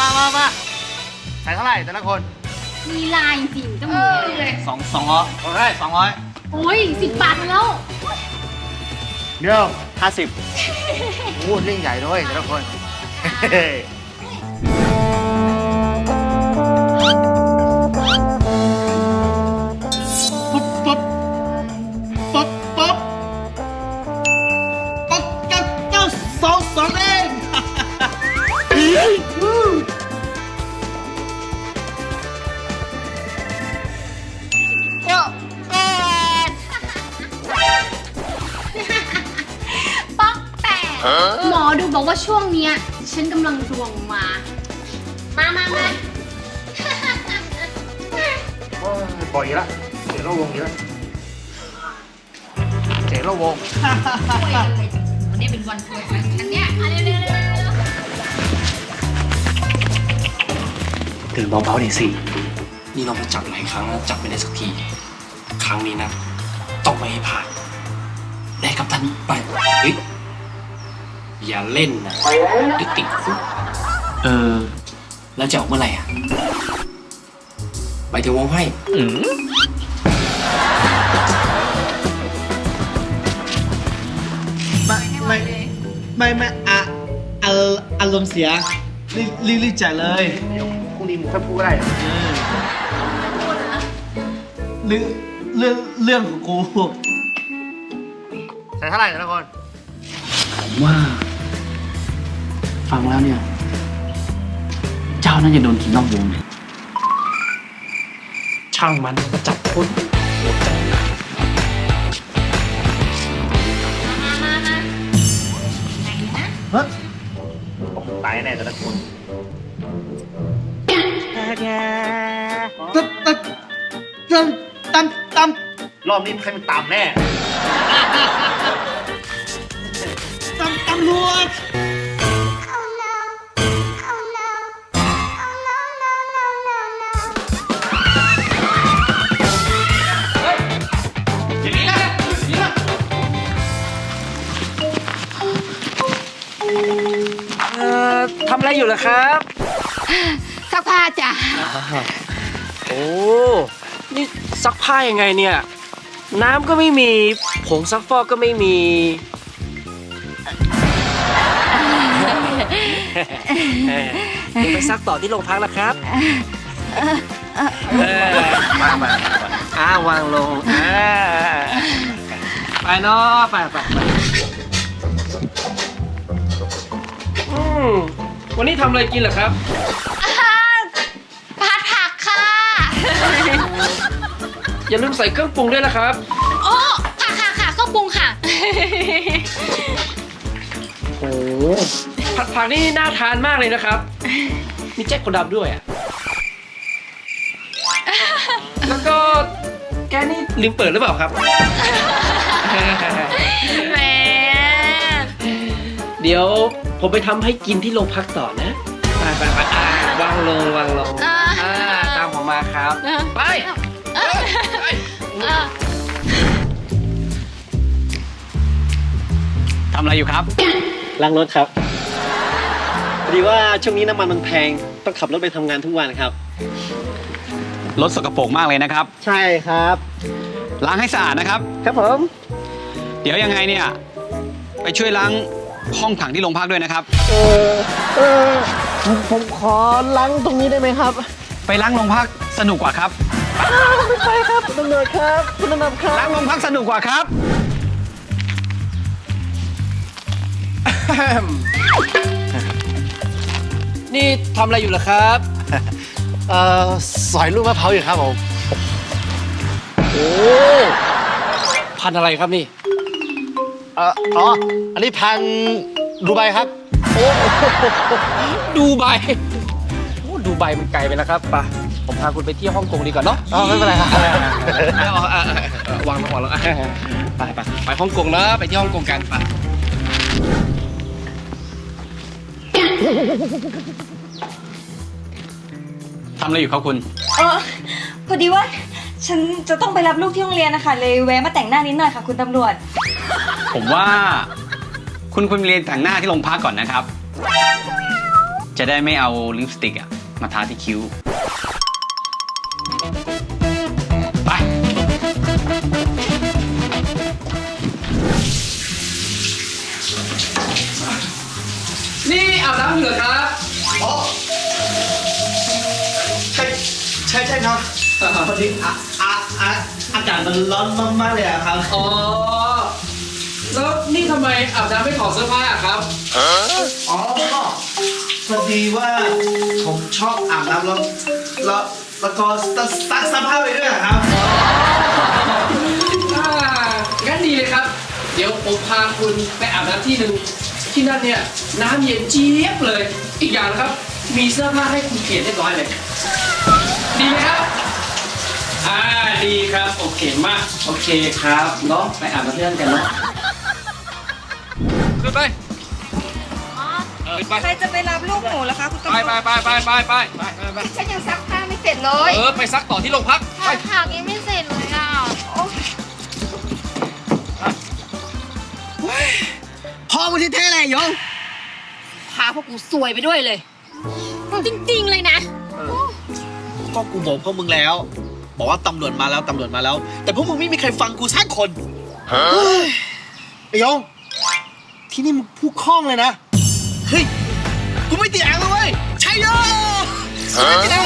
มาใส่เท่าไหร่แต่ละคนมีลายจริงๆต้องมีเลย 200 โอเค200 โอ้ย10 บาทมาแล้วเดี๋ยว50โอ้เล่นใหญ่ด้วยแต่ละคนปุ๊บปุ๊บปุ๊บปุ๊บปุ๊บเจ้า2เองป๊อกแปดหมอดูบอกว่าช่วงเนี้ยฉันกำลังดวงมา มาโอ้ยปล่อยอีกแล้วเจ๋งระวงอีกแล้วเจ๋งระวงคุยกันเลยวันนี้เป็นวันคุยกันฉันเนี่ยเร็วตื่นเบาๆหน่อยสิ นี่เราไปจับหลายครั้งแล้วจับไม่ได้สักที ครั้งนี้นะ ต้องไม่ให้ผ่านแน่กับทันไป เฮ้ย อย่าเล่นนะเดี๋ยวติดคุกแล้วจะออกเมื่อไหร่อ่ะไปถึงวงไพ่ไม่อารมณ์เสียรีบจ่ายเลยเดี๋ยวพรุ่งนี้มึงค่อยพูดก็ได้เรื่องของกูใส่เท่าไหร่แต่ละคนผมว่า ฟังแล้วเนี่ย เจ้าน่าจะโดนกินนอกวงเลยช่างมันก็จับคนหัวใจมาไหนนะเฮ้ยตายแน่แต่ละคนตามรอบนี้ใครมันตามแน่ตำรวจทำอะไรอยู่ล่ะครับซักผ้าจ้ะโอ้ นี่ซักผ้ายังไงเนี่ย น้ำก็ไม่มี ผงซักฟอกก็ไม่มี เดี๋ยวไปซักต่อที่โรงพักนะครับวางลงไปเนาะไปวันนี้ทำอะไรกินเหรอครับผัดผักค่ะอย่าลืมใส่เครื่องปรุงด้วยนะครับโอ้ค่ะเครื่องปรุงค่ะโอ้ผัดผักนี่น่าทานมากเลยนะครับ มีแจ็คคนดำด้วยอ่ะ แล้วก็แกนี่ลืมเปิดหรือเปล่าครับแหมเดี๋ยวผมไปทำให้กินที่โรงพักต่อนะ ไปวางลงตามผมมาครับ ไปทำอะไรอยู่ครับล้างรถครับพอดีว่าช่วงนี้น้ำมันมันแพงต้องขับรถไปทำงานทุกวันครับรถสกปรกมากเลยนะครับใช่ครับล้างให้สะอาดนะครับครับผมเดี๋ยวยังไงเนี่ย ไปช่วยล้างห้องขังที่โรงพักด้วยนะครับผมขอล้างตรงนี้ได้ไหมครับไปล้างโรงพักสนุกกว่าครับไม่ไปครับคุณตำรวจครับคุณตำรวจครับล้างโรงพักสนุกกว่าครับนี่ทำอะไรอยู่ล่ะครับสอยลูกมะพร้าวอยู่ครับผมโอ้พันธุ์อะไรครับนี่อันนี้พันดูไบครับดูไบโอ้ดูไบมันไกลไปแล้วครับป่ะผมพาคุณไปเที่ยวฮ่องกงดีกว่าเนาะไม่เป็นไรครับวางแล้วไปฮ่องกงนะไปที่ฮ่องกงกันไปทำอะไรอยู่ครับคุณพอดีว่าฉันจะต้องไปรับลูกที่โรงเรียนนะคะเลยแวะมาแต่งหน้านิดหน่อยค่ะคุณตำรวจผมว่าคุณเรียนแต่งหน้าที่โรงพักก่อนนะครับ จจะได้ไม่เอาลิปสติกอะมาทาที่คิ้ว ไปนี่อาบน้ำอยู่เหรอครับใช่ครับพอดีอากาศมันร้อนมากๆเลยอะครับอ๋อ แล้วนี่ทำไมอาบน้ำไม่ถอดเสื้อผ้าอะครับอ๋อพอดีว่าผมชอบอาบน้ำแล้วก็ซักเสื้อผ้าไปด้วยอะครับงั้นดีเลยครับ เดี๋ยวผมพาคุณไปอาบน้ำที่หนึ่งที่นั่นเนี่ยน้ำเย็นเจี๊ยบเลย อีกอย่างนะครับ มีเสื้อผ้าให้คุณเปลี่ยนเรียบร้อยเลย ดีไหมครับ ดีครับ โอเคมาก โอเคครับเนาะไปอาบน้ำที่นั่นกันเนาะขึ้นไป ขึ้นไปใครจะไปรับลูกหมูล่ะคะคุณตำรวจไปฉันยังซักผ้าไม่เสร็จเลยไปซักต่อที่โรงพักผักยังไม่เสร็จเลยอ่ะพ่อมึงที่แท้เลยยงพาพวกกูซวยไปด้วยเลย จริงๆเลยนะก็กูบอกพวกมึงแล้ว บอกว่าตำรวจมาแล้ว แต่พวกมึงไม่มีใครฟังกูสักคนเฮ้ยไอ้ยง ที่นี่มึงพูดคล่องเลยนะ เฮ้ย กูไม่ติดอ่างเลยเว้ยใช่โยกูไม่ติดอ่าง